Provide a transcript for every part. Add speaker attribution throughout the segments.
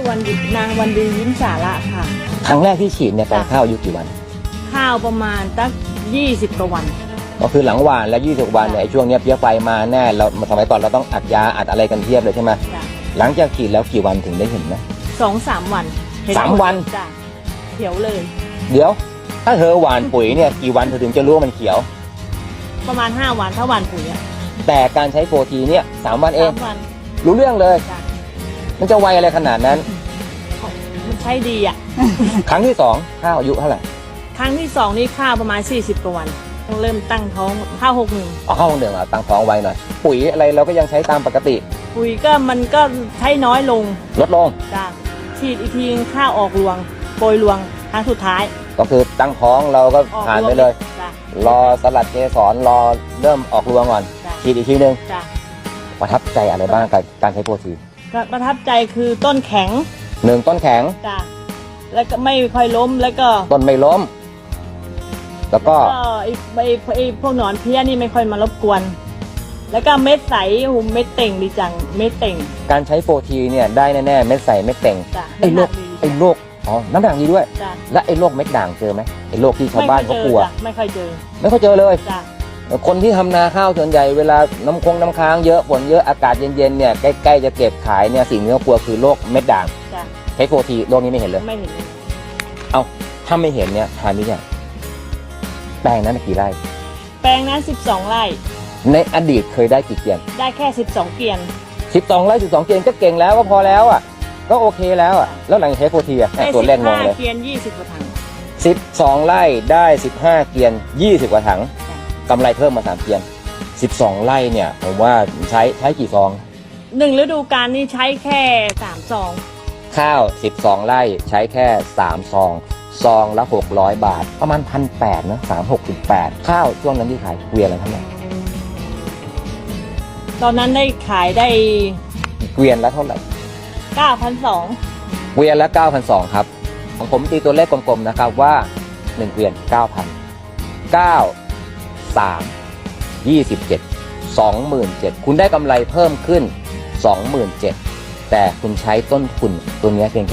Speaker 1: วันนางวันดียิ้มสาระค่ะ
Speaker 2: ครั้งแรกที่ฉีดเนี่ยแปลงข้าวอายุกี่วัน
Speaker 1: ข้าวประมาณตั้ง20 กว่าวัน
Speaker 2: ก็คือหลังหว่านแล้ว20 วันเนี่ยช่วงนี้เพี้ยไฟมาแน่เราสมัยก่อนเราต้องอัดยาอัดอะไรกันเทียบเลยใช่ไหมหลังจากฉีดแล้วกี่วันถึงได้เห็นนะ
Speaker 1: 2-3 วัน
Speaker 2: 3 วัน
Speaker 1: จ้ะเขียวเลย
Speaker 2: เดี๋ยวถ้าเธอหว่านปุ๋ยเนี่ยกี่วันเธอถึงจะรู้ว่ามันเขียว
Speaker 1: ประมาณ5 วันถ้าหว่านปุ๋ยอะ
Speaker 2: แต่การใช้โฟทีเนี่ย3 วันเอง
Speaker 1: 3 วัน
Speaker 2: รู้เรื่องเลยมันจะไวอะไรขนาดนั้น
Speaker 1: มันใช้ดีอ่ะ
Speaker 2: ครั้งที่2ข้าวอายุเท่าไหร่
Speaker 1: ครั้งที่2นี่ข้าวประมาณ40 กว่าวันเริ่มตั้งท้องข้าว61
Speaker 2: ข้าว61อ่ะตั้งท้องไวหน่อยปุ๋ยอะไรเราก็ยังใช้ตามปกติ
Speaker 1: ปุ๋ยก็มันก็ใช้น้อยลง
Speaker 2: ลดลง
Speaker 1: จ้ะฉีดอีกทีข้าวออกรวงโปรยรวงครั้งสุดท้าย
Speaker 2: ก็คือตั้งท้องเราก็ผ่านไปเลยรอสลัดเกสรรอเริ่มออกรวงก่อนฉีดอีกทีนึงประทับใจอะไรบ้างกับการใช้โปรที
Speaker 1: ก็ประทับใจคือต้นแข็ง
Speaker 2: ต้นแข็ง
Speaker 1: จ้ะแล้วก็ไม่ค่อยล้มแล้วก็
Speaker 2: ต้นไม่ล้มแล้วก็
Speaker 1: ไอ้พวกหนอนเพี้ยนี่ไม่ค่อยมารบกวนแล้วก็เม็ดใสเม็ดเต่งดีจังเม็ดเต่ง
Speaker 2: การใช้โปรทีเนี่ยได้แน่ๆเม็ดใสเม็ดเต่งไอ้โรคน้ำด่างดีด้วยและไอ้โรคเม็ดด่างเจอไหมไอ้โรคที่ชาวบ้านเขากลัว
Speaker 1: ไม่ค่อยเจ
Speaker 2: อเลยคนที่ทำนาข้าวส่วนใหญ่เวลาน้ำค้างเยอะฝนเยอะอากาศเย็นๆเนี่ยใกล้ๆจะเก็บขายเนี่ยสิ่งที่เขากลัวคือโรคเม็ดด่างใช้โปรทีโรคนี้ไม่เห็นเลย
Speaker 1: ไม่เห็น
Speaker 2: เอาถ้าไม่เห็นเนี่ยทานนี่เนี่ยแปลงนั้นกี่ไร่
Speaker 1: แปลงนั้น12 ไร่
Speaker 2: ในอดีตเคยได้กี่เกียน
Speaker 1: ได้แค่12 เกียน
Speaker 2: 12 ไร่12 เกียนก็เก่งแล้วก็พอแล้วอ่ะก็โอเคแล้วอ่ะแล้วหลังใช้โปรทีอ่ะตัวแรกงงเลย
Speaker 1: 15 เกียน20 กว่าถัง
Speaker 2: 12 ไร่ได้15 เกียน20 กว่าถังกำไรเพิ่มมา3 เกียน12 ไร่เนี่ยผมว่าใช้กี่ซอง
Speaker 1: 1 ฤดูกาลนี้ใช้แค่3 ซอง
Speaker 2: ข้าว12 ไร่ใช้แค่3 ซองซองละ600 บาทประมาณ 1,800 นะ368ข้าวช่วงนั้นที่ขายเกวียนละเท่าไหร่
Speaker 1: ตอนนั้นได้ขายได้
Speaker 2: เกวียนละเท่าไหร่
Speaker 1: 9,200
Speaker 2: เกวียนละ 9,200 ครับของผมตีตัวเลขกลมๆนะครับว่า1 เกวียน 9,000 9 3 27 27,000คุณได้กำไรเพิ่มขึ้น 27,000 แต่คุณใช้ต้นทุนตัวนี้เพียงแค่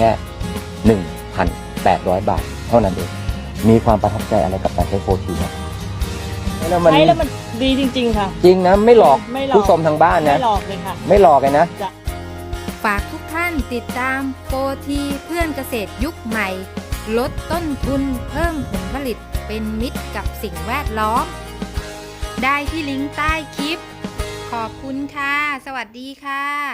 Speaker 2: 1,800 บาทเท่านั้นเองมีความประทับใจอะไรกับการใช้โฟทีครับ
Speaker 1: ใช้แล้วมันดีจริงๆค่ะ
Speaker 2: จริงนะไม่หลอกผู้ชมทางบ้านนะ
Speaker 1: ไม่หลอกเลยค่ะ
Speaker 2: ไม่หลอกเลยนะ
Speaker 3: ฝากทุกท่านติดตามโฟทีเพื่อนเกษตรยุคใหม่ลดต้นทุนเพิ่มผลผลิตเป็นมิตรกับสิ่งแวดล้อมได้ที่ลิงก์ใต้คลิปขอบคุณค่ะสวัสดีค่ะ